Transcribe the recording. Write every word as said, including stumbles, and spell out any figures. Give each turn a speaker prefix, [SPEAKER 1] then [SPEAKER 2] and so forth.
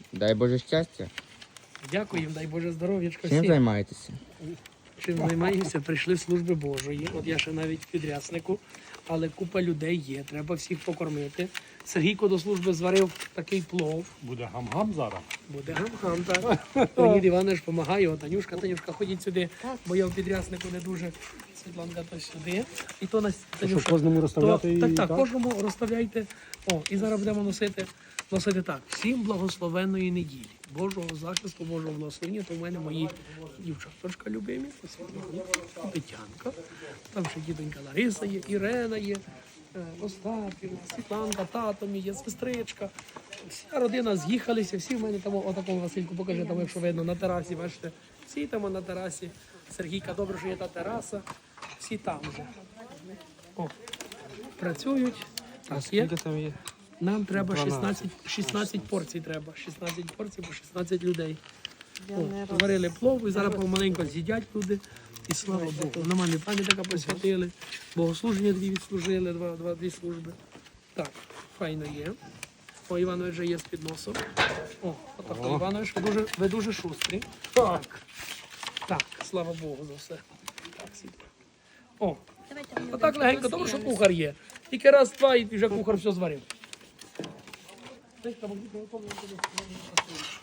[SPEAKER 1] Дай Боже щастя.
[SPEAKER 2] Дякуємо, дай Боже здоров'ячка
[SPEAKER 1] Чим
[SPEAKER 2] всім.
[SPEAKER 1] займаєтеся?
[SPEAKER 2] Чим займаємося? Прийшли в служби Божої. От я ще навіть в підряснику, але купа людей є, треба всіх покормити. Сергійко до служби зварив такий плов.
[SPEAKER 3] Буде гам-гам зараз.
[SPEAKER 2] Буде гам-гам, так. Леонід Іванович допомагає, от Танюшка, Танюшка, ходіть сюди, бо я в підряснику не дуже. Світланка, то сюди. І то нас, Танюша,
[SPEAKER 3] кожному розставляти
[SPEAKER 2] то,
[SPEAKER 3] і
[SPEAKER 2] так, так,
[SPEAKER 3] так?
[SPEAKER 2] кожному розставляйте. О, і зараз будемо носити, носити так. Всім благословенної неділі. Божого захисту, Божого благословення. То в мене мої дівчаточка любимі, Світлана, Тетянка. Там ще дітонька Лариса є, Ірена є, е, Остапівна, Світланка, тато мій є, сестричка. Вся родина з'їхалися, всі в мене там, отакому Васильку, покажи, там, якщо видно, на терасі, бачите, всі там на терасі. Сергійка, добре, що є та тераса, всі там вже. О, працюють. Так, є.
[SPEAKER 4] там є?
[SPEAKER 2] Нам треба шістнадцять, шістнадцять порцій треба. шістнадцять порцій по шістнадцять людей. О, зварили плов і зараз помаленько з'їдять люди. І слава Богу. На мамі пам'ятника посвятили, богослуження дві відслужили, два, два, дві служби. Так, файно є. О, Іванович вже є з підносом. О, отак, Іванович, ви дуже, ви дуже шустрі. Так. Так, слава Богу за все. Так, сідь. О, отак легенько, тому що кухар є. Тільки раз, два і вже кухар все зварив.